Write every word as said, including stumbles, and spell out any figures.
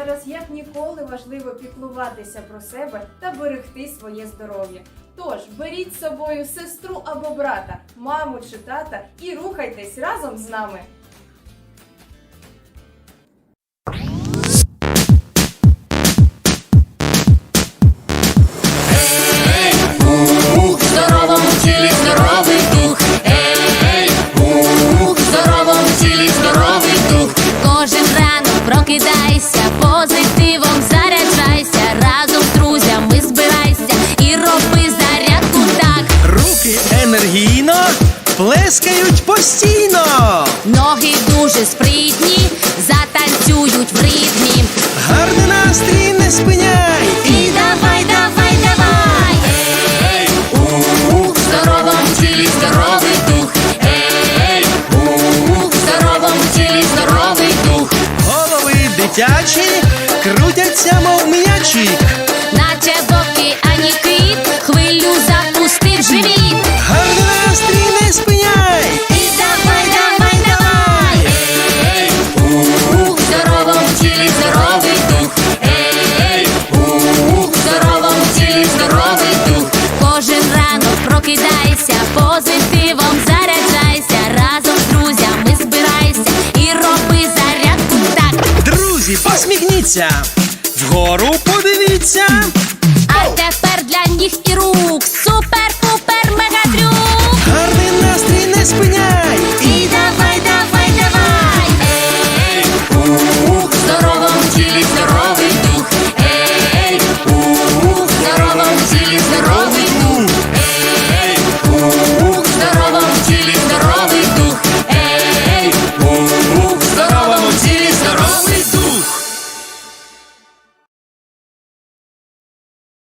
Зараз як ніколи важливо піклуватися про себе та берегти своє здоров'я. Тож, беріть з собою сестру або брата, маму чи тата і рухайтесь разом з нами. В здоровому тілі здоровий дух. Ей, ух, в здоровому тілі здоровий дух. Кожен ранок прокидайся, позитивом заряджайся, разом з друзями збирайся і роби зарядку так. Руки енергійно плескають постійно. Ноги дуже спритні, затанцюють в ритмі. Гарний настрій не спиняй. І давай, давай, давай. Ей, ух, в здоровому тілі здоровий дух. Ей, ух, в здоровому тілі здоровий дух. Голови дитячі крутяться, мов м'ячі. Наче в океані кит, хвилю запустив живіт. Гарний настрій не спиняй. І давай, давай, давай. Ей, ух, в здоровому тілі здоровий дух. Ей, ух, в здоровому тілі здоровий дух. Кожен ранок прокидайся, позитивом заряджайся, разом з друзями збирайся і роби зарядку так. Друзі, посміхніться, вгору подивіться. А тепер для ніг і рук